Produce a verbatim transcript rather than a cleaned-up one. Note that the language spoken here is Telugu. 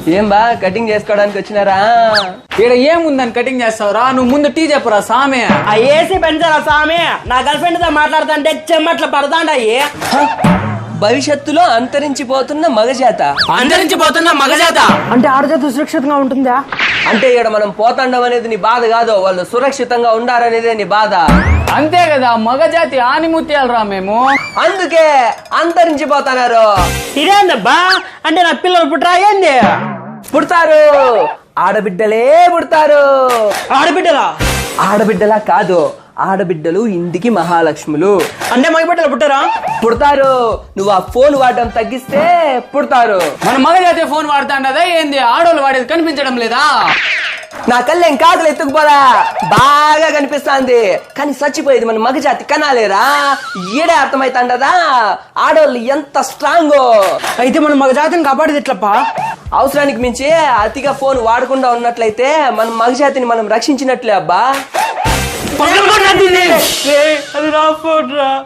ఏం బా కటింగ్ చేసుకోవడానికి వచ్చినారా? ఇక్కడ ఏముందని కటింగ్ చేస్తావురా? నువ్వు ముందు టీ చెప్పురా సామె. ఆ ఏసీ పెంచారా సామె? నా గర్ల్ ఫ్రెండ్ తో మాట్లాడుతుంటే చెమ్మట్లు పడతాండాయి. భవిష్యత్తులో అంతరించిపోతున్న మగజాత. అంతరించిపోతున్న మగజాత అంటే ఆడజాత సురక్షితంగా ఉంటుందా? అంటే ఇక్కడ మనం పోతాండం అనేది నీ బాధ కాదు, వాళ్ళు సురక్షితంగా ఉండాలనేదే నీ బాధ. అంతే కదా, మగజాతి ఆనిముత్యాలరా మేము. అందుకే అంతరించిపోతున్నారు. ఇదేందబ్బా? అంటే నా పిల్లలు పుట్టరా ఏంది? పుడతారు, ఆడబిడ్డలే పుడతారు. ఆడబిడ్డలా? ఆడబిడ్డలా కాదు, ఆడబిడ్డలు ఇంటికి మహాలక్ష్ములు. అంటే మగబిడ్డలు పుట్టరా? పుడతారు. నువ్వు ఆ ఫోన్ వాడడం తగ్గిస్తే పుడతారు. మన మగజాతి ఫోన్ వాడుతాండదా ఏంది? ఆడోళ్ళు వాడేది కనిపించడం లేదా? నా కళ్ళేం కాకులు ఎత్తుకుపోదా, బాగా కనిపిస్తాంది. కానీ చచ్చిపోయేది మన మగజాతి కనాలేరా? ఈడే అర్థమైతాండదా ఆడోళ్ళు ఎంత స్ట్రాంగ్. అయితే మనం మగజాతిని కాపాడేది ఎట్లప్పా? అవసరానికి మించి అతిగా ఫోన్ వాడకుండా ఉన్నట్లయితే మన మగజాతిని మనం రక్షించినట్లే అబ్బా. అది నా ఫోన్ రా.